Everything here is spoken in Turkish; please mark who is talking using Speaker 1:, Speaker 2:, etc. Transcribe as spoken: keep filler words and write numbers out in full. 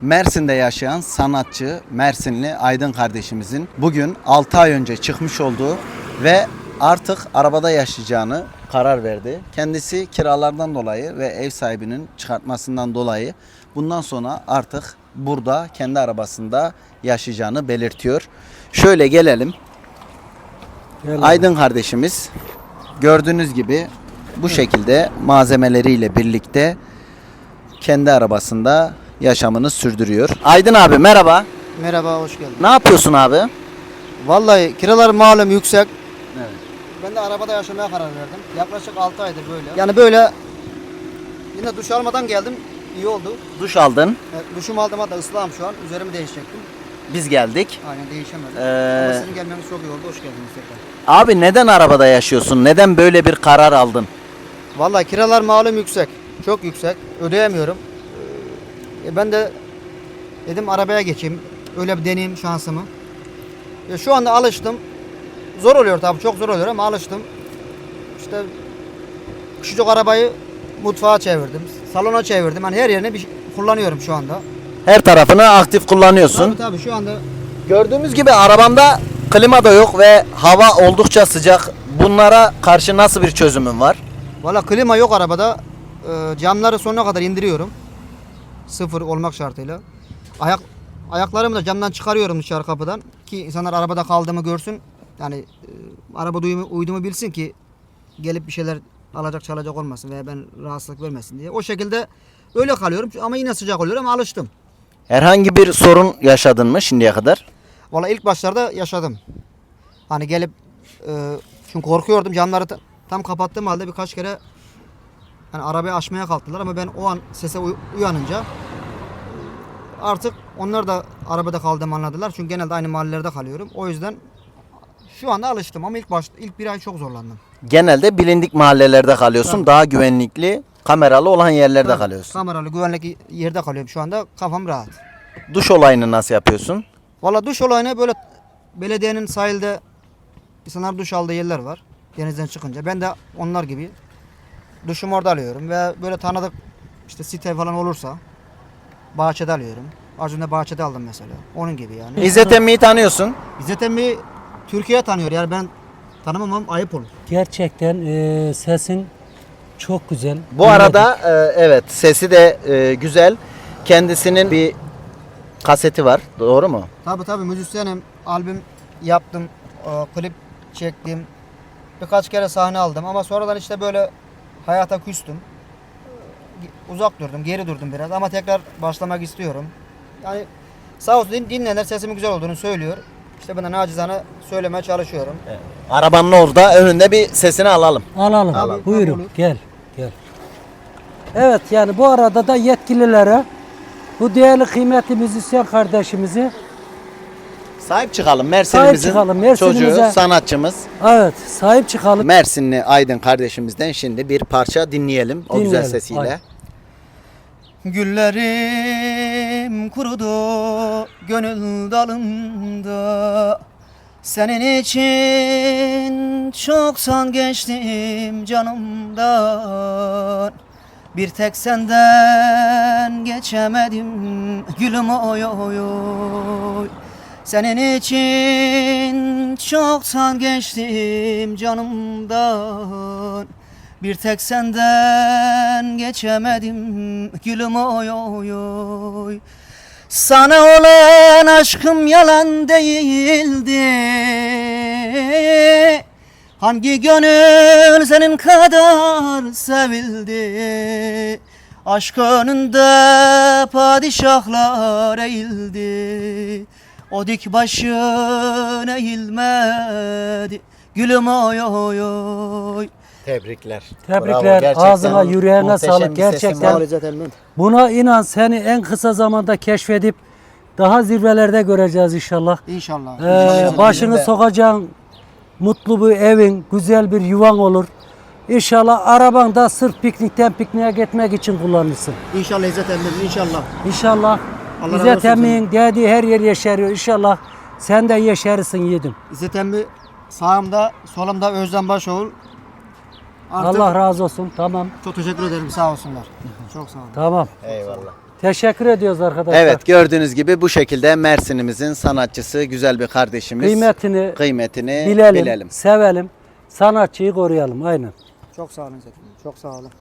Speaker 1: Mersin'de yaşayan sanatçı Mersinli Aydın kardeşimizin bugün altı ay önce çıkmış olduğu ve artık arabada yaşayacağını karar verdi. Kendisi kiralardan dolayı ve ev sahibinin çıkartmasından dolayı bundan sonra artık burada kendi arabasında yaşayacağını belirtiyor. Şöyle gelelim.
Speaker 2: Gel
Speaker 1: Aydın kardeşimiz gördüğünüz gibi bu şekilde malzemeleriyle birlikte kendi arabasında yaşamını sürdürüyor. Aydın abi merhaba.
Speaker 2: Merhaba, hoş geldin.
Speaker 1: Ne yapıyorsun abi?
Speaker 2: Vallahi kiralar malum yüksek.
Speaker 1: Evet.
Speaker 2: Ben de arabada yaşamaya karar verdim. Yaklaşık altı aydır böyle. Yani böyle yine duş almadan geldim. İyi oldu.
Speaker 1: Duş aldın.
Speaker 2: Evet, duşumu aldım, hatta ıslahım şu an. Üzerimi değişecektim.
Speaker 1: Biz geldik.
Speaker 2: Aynen, değişemedim.
Speaker 1: Ee,
Speaker 2: Ama sizin gelmeniz çok iyi oldu. Hoş geldiniz tekrar.
Speaker 1: Abi neden arabada yaşıyorsun? Neden böyle bir karar aldın?
Speaker 2: Vallahi kiralar malum yüksek. Çok yüksek. Ödeyemiyorum. E ben de dedim arabaya geçeyim. Öyle bir deneyeyim şansımı. E şu anda alıştım. Zor oluyor tabii, çok zor oluyor ama alıştım. İşte küçücük arabayı mutfağa çevirdim. Salona çevirdim. Yani her yerine bir şey kullanıyorum şu anda.
Speaker 1: Her tarafını aktif kullanıyorsun.
Speaker 2: Tabii tabii şu anda
Speaker 1: Gördüğümüz gibi arabamda klima da yok ve hava oldukça sıcak. Bunlara karşı nasıl bir çözümün var?
Speaker 2: valla klima yok arabada. E, camları sonuna kadar indiriyorum. Sıfır olmak şartıyla. Ayak ayaklarımı da camdan çıkarıyorum dışarı kapıdan ki insanlar arabada kaldığımı görsün. Yani e, araba duyumu, uyduğumu bilsin ki gelip bir şeyler alacak çalacak olmasın veya ben rahatsızlık vermesin diye. O şekilde öyle kalıyorum ama yine sıcak oluyor ama alıştım.
Speaker 1: Herhangi bir sorun yaşadın mı şimdiye kadar?
Speaker 2: Valla ilk başlarda yaşadım. Hani gelip e, çünkü korkuyordum, camları ta- tam kapattığım halde birkaç kere hani arabayı açmaya kalktılar ama ben o an sese uy- uyanınca artık onlar da arabada kaldığımı anladılar. Çünkü genelde aynı mahallelerde kalıyorum. O yüzden şu anda alıştım ama ilk başta ilk bir ay çok zorlandım.
Speaker 1: Genelde bilindik mahallelerde kalıyorsun.
Speaker 2: Tabii.
Speaker 1: Daha güvenlikli, kameralı olan yerlerde
Speaker 2: Tabii,
Speaker 1: kalıyorsun.
Speaker 2: Kameralı güvenlik yerde kalıyorum şu anda. Kafam rahat.
Speaker 1: Duş olayını nasıl yapıyorsun?
Speaker 2: Valla duş olayını böyle belediyenin sahilde insanlar duş aldığı yerler var. Denizden çıkınca. Ben de onlar gibi duşumu orada alıyorum ve böyle tanıdık işte site falan olursa bahçede alıyorum. Az önce bahçede aldım mesela. Onun gibi yani.
Speaker 1: İzzet Emmi'yi tanıyorsun.
Speaker 2: İzzet Emmi Türkiye tanıyor yani, ben tanımamam ayıp olur.
Speaker 3: Gerçekten e, sesin çok güzel.
Speaker 1: Bu arada e, evet sesi de e, güzel. Kendisinin bir kaseti var. Doğru mu?
Speaker 2: Tabii tabii müzisyenim. Albüm yaptım. e, klip çektim. Birkaç kere sahne aldım ama sonradan işte böyle hayata küstüm. E, Uzak durdum, geri durdum biraz ama tekrar başlamak istiyorum. Yani sağ olsun din- dinleyenler sesimin güzel olduğunu söylüyor. İşte ben de nacizane söylemeye çalışıyorum.
Speaker 1: Arabanın orada önünde bir sesini alalım.
Speaker 3: Alalım.
Speaker 2: Alalım.
Speaker 3: Buyurun.
Speaker 2: Olur.
Speaker 3: Gel. Gel. Evet, yani bu arada da yetkililere bu değerli kıymetli müzisyen kardeşimizi
Speaker 1: Sahip çıkalım Mersin'imizin
Speaker 3: çıkalım, Mersin'imize.
Speaker 1: çocuğu, sanatçımız.
Speaker 3: evet sahip çıkalım.
Speaker 1: Mersinli Aydın kardeşimizden şimdi bir parça dinleyelim o güzel
Speaker 3: Dinleyelim,
Speaker 1: sesiyle.
Speaker 3: haydi.
Speaker 2: Güllerim kurudu gönül dalımda. Senin için çoktan geçtim canımdan. Bir tek senden geçemedim gülüm oy oy oy. Senin için çoktan geçtim canımdan. Bir tek senden geçemedim gülüm oy oy oy. Sana olan aşkım yalan değildi. Hangi gönül senin kadar sevildi? Aşk önünde padişahlar eğildi. O dik başın eğilmedi gülüm oy oy oy.
Speaker 1: Tebrikler.
Speaker 3: Tebrikler.
Speaker 1: Bravo, gerçekten
Speaker 3: Ağzına, yüreğine
Speaker 1: muhteşem
Speaker 3: sağlık.
Speaker 1: bir sesin
Speaker 3: Gerçekten.
Speaker 1: var.
Speaker 3: Buna inan, seni en kısa zamanda keşfedip daha zirvelerde göreceğiz inşallah.
Speaker 2: İnşallah.
Speaker 3: Ee,
Speaker 2: İnşallah.
Speaker 3: başını
Speaker 1: Bizim de-
Speaker 3: sokacağın mutlu bir evin, güzel bir yuvan olur. İnşallah araban da sırf piknikten pikniğe gitmek için kullanırsın.
Speaker 2: İnşallah İzzet Emmi'nin inşallah.
Speaker 3: İnşallah
Speaker 2: Allah razı
Speaker 3: İzzet
Speaker 2: olsun
Speaker 3: Emmi'nin dediği her yer yeşeriyor. İnşallah sen de yeşerirsin yiğidim.
Speaker 2: İzzet Emmi sağımda, solumda Özlem Başoğul. Artık
Speaker 3: Allah razı olsun. Tamam.
Speaker 2: çok teşekkür ederim, sağ olsunlar. Çok sağ olun.
Speaker 3: Tamam.
Speaker 1: Eyvallah.
Speaker 3: Teşekkür ediyoruz arkadaşlar.
Speaker 1: Evet, gördüğünüz gibi bu şekilde Mersin'imizin sanatçısı, güzel bir kardeşimiz.
Speaker 3: Kıymetini,
Speaker 1: kıymetini
Speaker 3: bilelim,
Speaker 1: bilelim.
Speaker 3: sevelim. Sanatçıyı koruyalım. Aynen.
Speaker 2: Çok sağ olun Zeki. Çok sağ olun.